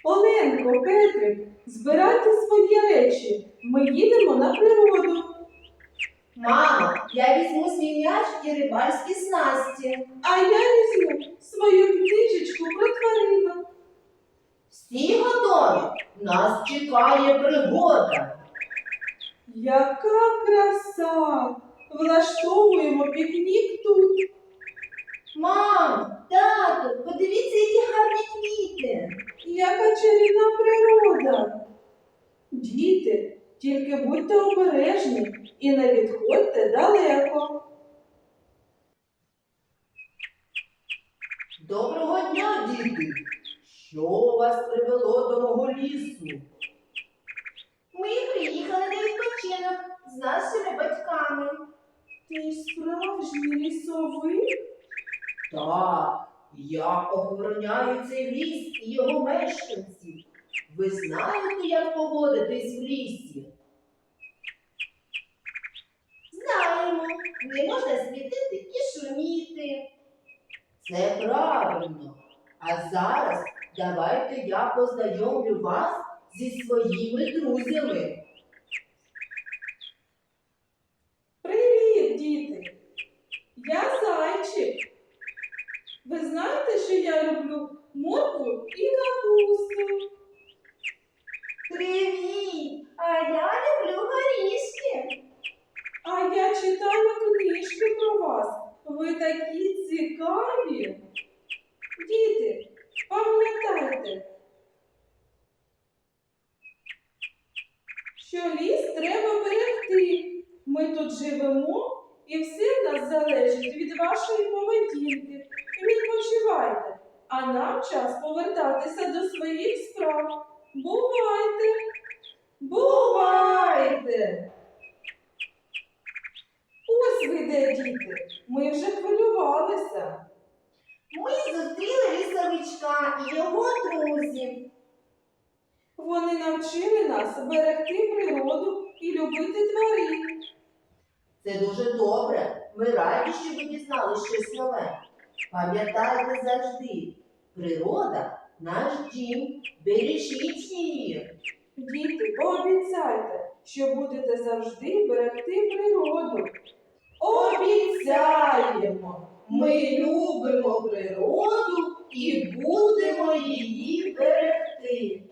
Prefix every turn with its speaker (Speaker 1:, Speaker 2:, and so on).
Speaker 1: Оленко, Петрик, збирайте свої речі. Ми їдемо на природу.
Speaker 2: Мамо, я візьму свій м'яч і рибальські снасті.
Speaker 1: А я візьму свою книжечку про тваринок.
Speaker 2: Всі готові? Нас чекає пригода.
Speaker 1: Яка краса! Влаштовуємо пікнік тут.
Speaker 2: Мам, тату, подивіться, які гарні квіти.
Speaker 1: Яка чарівна природа. Діти, тільки будьте обережні і не відходьте далеко.
Speaker 2: Доброго дня, діти! Що вас привело до мого лісу? Ми приїхали на відпочинок з нашими батьками.
Speaker 1: Ти ж справжній лісовик?
Speaker 2: Так, я охороняю цей ліс і його мешканців. Ви знаєте, як поводитись в лісі? Знаємо, не можна світити і шуміти. Це правильно. А зараз давайте я познайомлю вас зі своїми друзями.
Speaker 1: Привіт, діти! Я Зайчик. Ви знаєте, що я люблю моркву і капусту?
Speaker 2: Привіт! А я люблю горішки.
Speaker 1: А я читаю книжки про вас. Ви такі цікаві. Діти, пам'ятайте, що ліс треба берегти. Ми тут живемо і все в нас залежить від вашої поведінки. Відпочивайте, а нам час повертатися до своїх справ. Бувайте! Бувайте! Ось ви де, діти. Ми вже хвилювалися.
Speaker 2: Ми зустріли лісовичка і його друзів.
Speaker 1: Вони навчили нас берегти природу і любити тварин.
Speaker 2: Це дуже добре. Ми раді, що ви дізнались щось нове. Пам'ятайте завжди, природа – наш дім, бережіть її.
Speaker 1: Діти, пообіцяйте, що будете завжди берегти природу. Обіцяємо!
Speaker 2: Ми любимо природу і будемо її берегти.